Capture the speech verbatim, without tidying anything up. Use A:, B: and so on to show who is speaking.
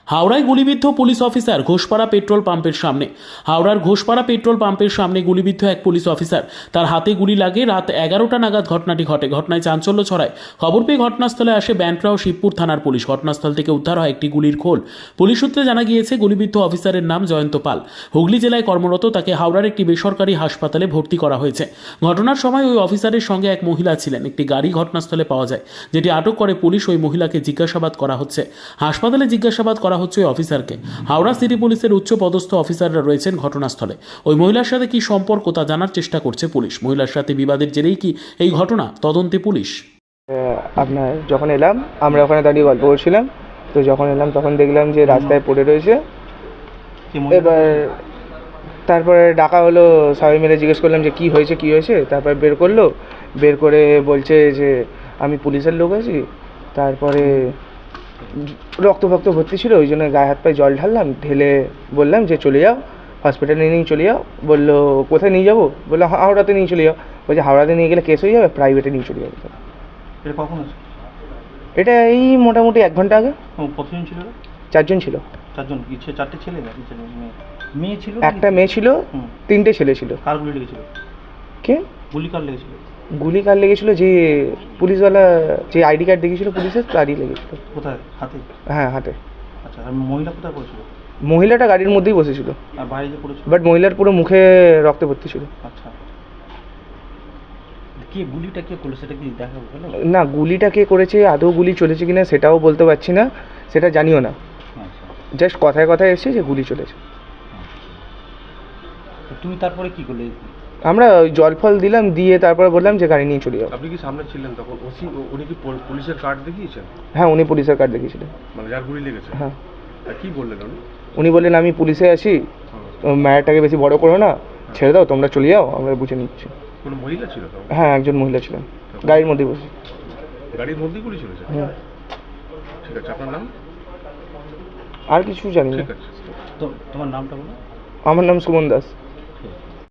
A: হাওড়ায় গুলিবিদ্ধ police officer Ghoshpara petrol পাম্পের সামনে। হাওড়ার ঘোষপাড়া পেট্রোল পাম্পের সামনে গুলিবিদ্ধ এক পুলিশ অফিসার, তার হাতে গুলি লাগে। রাত এগারোটা নাগাদ ঘটনাটি ঘটে। ঘটনায় চাঞ্চল্য ছড়ায়। খবর পেয়ে ঘটনাস্থলে আসে ব্যান্ডরা ও শিবপুর থানার পুলিশ। ঘটনাস্থল থেকে উদ্ধার হয় একটি গুলির খোল। পুলিশ সূত্রে জানা গিয়েছে, গুলিবিদ্ধ অফিসারের নাম জয়ন্ত পাল। হুগলি জেলায় কর্মরত। তাকে হাওড়ার একটি বেসরকারি হাসপাতালে ভর্তি করা হয়েছে। ঘটনার সময় ওই অফিসারের সঙ্গে এক মহিলা ছিলেন। একটি গাড়ি ঘটনাস্থলে পাওয়া যায়, যেটি আটক করে পুলিশ। ওই মহিলাকে জিজ্ঞাসাবাদ করা হচ্ছে। হাসপাতালে জিজ্ঞাসাবাদ করা হচ্ছে ওই অফিসারকে। হাওড়া সিটি পুলিশের উচ্চ পদস্থ অফিসাররা রয়েছেন ঘটনাস্থলে। ওই মহিলার সাথে কি সম্পর্ক তা জানার চেষ্টা করছে পুলিশ। মহিলার সাথে বিবাদের জেরেই কি এই ঘটনা, তদন্তে পুলিশ।
B: আপনার যখন এলাম, আমরা ওখানে দাঁড়িয়ে গল্প করছিলাম, তো যখন এলাম তখন দেখলাম যে রাস্তায় পড়ে রয়েছে। এবার তারপরে ডাকা হলো, সবাই মিলে জিজ্ঞেস করলাম যে কি হয়েছে কি হয়েছে তারপর বের করলো, বের করে বলছে যে আমি পুলিশের লোক আছি। তারপরে রক্ত ফক্ত ভর্তি ছিল, ওই জন্য গায়ে হাত পায়ে জল ঢাললাম, ঢেলে বললাম যে চলে যাও হসপিটালে নিয়ে চলে যাও। বললো কোথায় নিয়ে যাবো? বললো হাওড়াতে নিয়ে চলে যাও। বলছে হাওড়াতে নিয়ে গেলে কেস হয়ে যাবে, প্রাইভেটে নিয়ে চলে যাবে।
C: এটা কখন আছে?
B: এটা এই মোটামুটি এক ঘন্টা আগে।
C: কতজন ছিল?
B: চারজন ছিল।
C: চারজন? ইচ্ছে চারটে ছেলে নাকি ছেলে মেয়ে? মেয়ে ছিল,
B: একটা মেয়ে ছিল, তিনটে ছেলে ছিল।
C: কার গুলি লেগেছিল?
B: কে
C: গুলি কার লেগেছিল?
B: গুলি কার লেগেছিল? যে পুলিশওয়ালা যে আইডি কার্ড দেখেছিল পুলিশের, তারই লেগেছিল।
C: কোথায়? হাতে?
B: হ্যাঁ হাতে।
C: আচ্ছা, আর মহিলা কোথায় পড়েছিল?
B: মহিলাটা গাড়ির মধ্যেই বসেছিল,
C: আর বাইরে যে পড়েছিল?
B: বাট মহিলার পুরো মুখে রক্তে ভর্তি ছিল।
C: আচ্ছা, কে গুলিটা কে করলো সেটা কি দেখা গেল?
B: না, গুলিটা কে করেছে, আদৌ গুলি চলেছে কিনা সেটাও বলতে পারছি না, সেটা জানিও না।
C: আচ্ছা,
B: জাস্ট কথায় কথায় এসেছে যে গুলি চলেছে।
C: তো তুমি তারপরে কি করলে?
B: আমরা ওই জল ফল দিলাম, দিয়ে তারপরে বললাম যে গাড়ি নিয়ে চলে যাও।
D: আপনি কি সামনে ছিলেন তখন? ওসি উনি কি পো- পুলিশের কার্ড দেখিয়েছেন?
B: হ্যাঁ, উনি পুলিশের কার্ড দেখিয়েছিলেন।
D: মানে যার গুলি লেগেছে?
B: হ্যাঁ।
D: আর কি বললেন উনি?
B: উনি বললেন আমি পুলিশে আছি, ম্যাটারটাকে বেশি বড় করো না, ছেড়ে দাও, তোমরা চলে যাও, আমরা বুঝে নিচ্ছি।
D: কোনো মহিলা ছিল তখন?
B: হ্যাঁ, একজন মহিলা ছিলেন, গাড়ির মধ্যে বসে।
D: গাড়ির মধ্যেই গুলি চলেছে?
B: হ্যাঁ।
D: ঠিক আছে, আপনার নাম?
B: আর কিছু জানি না।
D: ঠিক আছে।
C: তো তোমার নামটা বলো।
B: আমার নাম সুমন দাস।